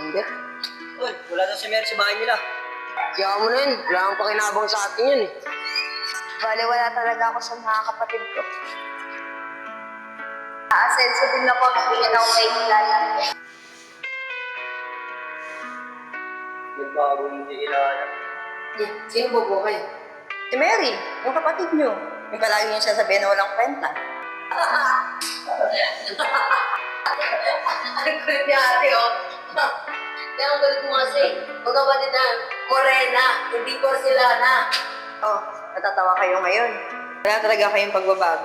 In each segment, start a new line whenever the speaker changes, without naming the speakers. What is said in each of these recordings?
Sander.
Uy, wala daw si Mary sa bahay nila.
Kaya mo na yun. Wala kang pakinabang sa atin yun eh.
Bale, wala talaga ako sa mga kapatid ko. Aasenso din ako, bigyan ako kay Kilala.
Nagbago hindi kilala.
Sino ba po kayo?
Si Mary, yung kapatid niyo. Yung palagi niya sasabihin na walang kwenta.
Ang kulit ni ate, oh. Kaya ang kulit mo kasi, magkapatid na, morena, hindi porcelana.
Oh, natatawa kayo ngayon. Wala talaga kayong pagbabago.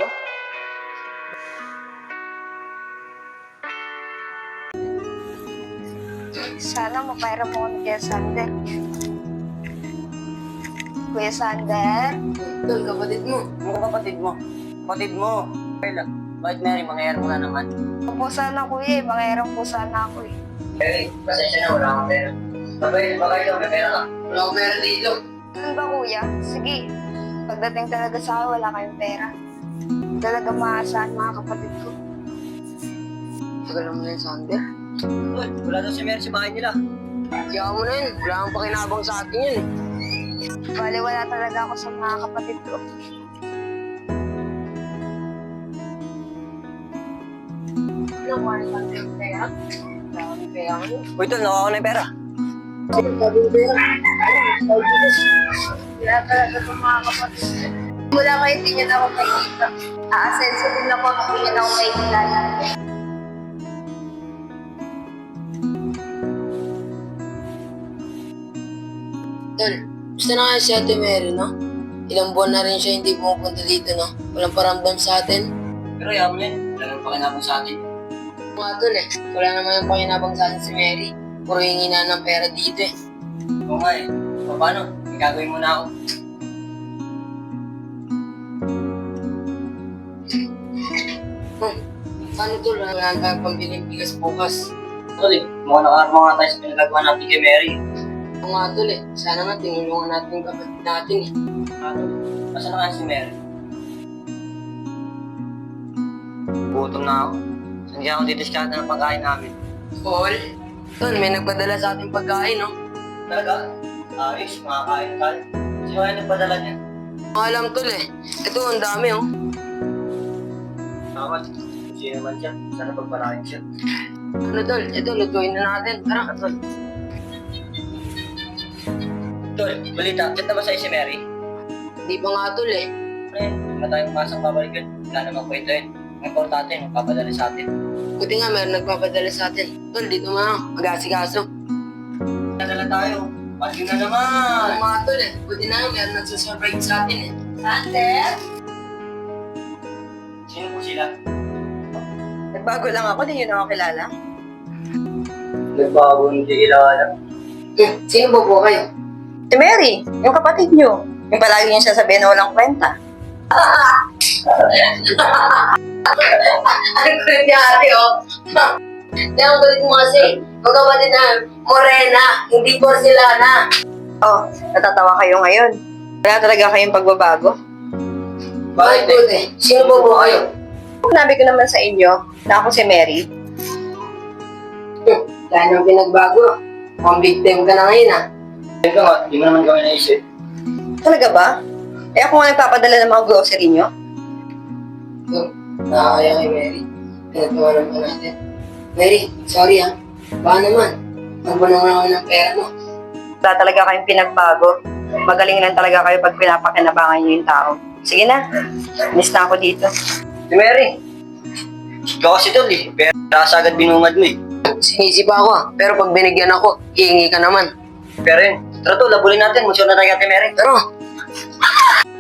Sana mapairam mo ni Kuya Sander. Kuya Sander?
Tol, kapatid mo.
Ano kapatid mo? Kapatid mo. Kaya, bakit Mary, mangyayari mo na naman?
Opo sana kuya eh, mangairam po sana ako eh.
Mary, pasensya na, wala akong pera. Sabay, baka ikaw, may pera ka.
Wala akong pera dito.
Ano ba kuya? Sige, pagdating talaga sa akin, wala kayong pera. Talaga maasahan mga kapatid ko.
Tagal mo na yun, Sander.
Uy, wala daw si Mary sa bahay nila.
Kaya mo na yun. Wala kang pakinabang sa atin yun eh.
Bale, wala talaga ako sa mga kapatid ko. Ano mo ang yung pera?
Wala kang pera ko.
Uy, tol, nakuha ko na yung pera.
Sabi yung pera.
Wala talaga sa mga kapatid ko. Mula kayo, hindi niyo na ako makikita. Aasenso din ako, hindi niyo na ako makikilala.
Tol, gusto na nga si Ate Mary, no? Ilang buwan na rin siya hindi pumupunta dito, no? Walang paramdam sa atin.
Pero yaman mo yan, wala nang pakinabang sa atin.
Mga tol eh, wala naman yung pakinabang sa atin si Mary. Puro hingi na ng pera dito eh.
Oo nga eh. O paano? Gagawin mo na ako.
Paano tol? Wala na tayong pambiling bigas bukas.
Tol eh, mukhang nakaarma nga tayo sa pinagagawa natin kay Mary.
Oo nga tol eh, sana nga tinulungan natin yung kapatid natin eh.
Ano? Nasaan na nga si Mary? Gutom na ako. Saan kaya ako didiskarte ng pagkain namin?
Paul? Tol, may nagpadala sa ating pagkain, no?
Talaga? Ayos, makakain tayo. Sino kaya nagpadala niya?
Alam tol eh. Ito, ang dami oh.
Tawad. Sino naman siya? Sana pagpalain siya.
Ano tol? Ito, lutuin na natin. Tara, tol.
Tol, balita. Chat na ba sa'yo si Mary?
Hindi pa nga tol eh.
Eh, wala tayong masang babalik yun. Wala namang kwento yun. Ang importante, magpapadala sa atin.
Buti nga meron nagpapadala sa atin. Tol, dito nga. Mag-asikaso.
Nadala tayo. Pagyo na
Oo
naman!
nga tol eh. Buti na nga meron nagsasurprise sa atin eh.
Sander?
Sino po sila?
Nagbago lang ako, di yun ako kilala.
Nagbago hindi kilala.
Sino ba po kayo?
Si Mary, yung kapatid niyo. Yung palagi niya sasabihin na walang kwenta.
Ang kulit ni ate oh. Kaya ang kulit mo kasi, magkapatid na, morena, hindi porcelana.
Oh, natatawa kayo ngayon. Wala talaga kayong pagbabago.
Bakit buti? Sino ba po kayo?
Sinabi ko naman sa inyo na ako si Mary.
Dahil nang pinagbago, mukhang victim ka na ngayon ah.
Ikaw nga, di mo naman gawin naisip.
Talaga ba? Eh ako nga nagpapadala ng mga grocery niyo.
Nakakaya kay Mary. Pinagtawanan pa natin. Mary, sorry ah. Baka naman, magbanong naman ng pera mo.
Wala talaga kayong pinagbago. Magaling lang talaga kayo pag pinapakinabangan niyo yung tao. Sige na, miss na ako dito.
Si Mary! Ikaw kasi tol eh. Pero agad binungad mo eh.
Sinisi pa ako ah. Pero pag binigyan ako, iingi ka naman.
Pero yun, tara tol, labulin natin. Magsyon na tayo kay Mary.
Pero,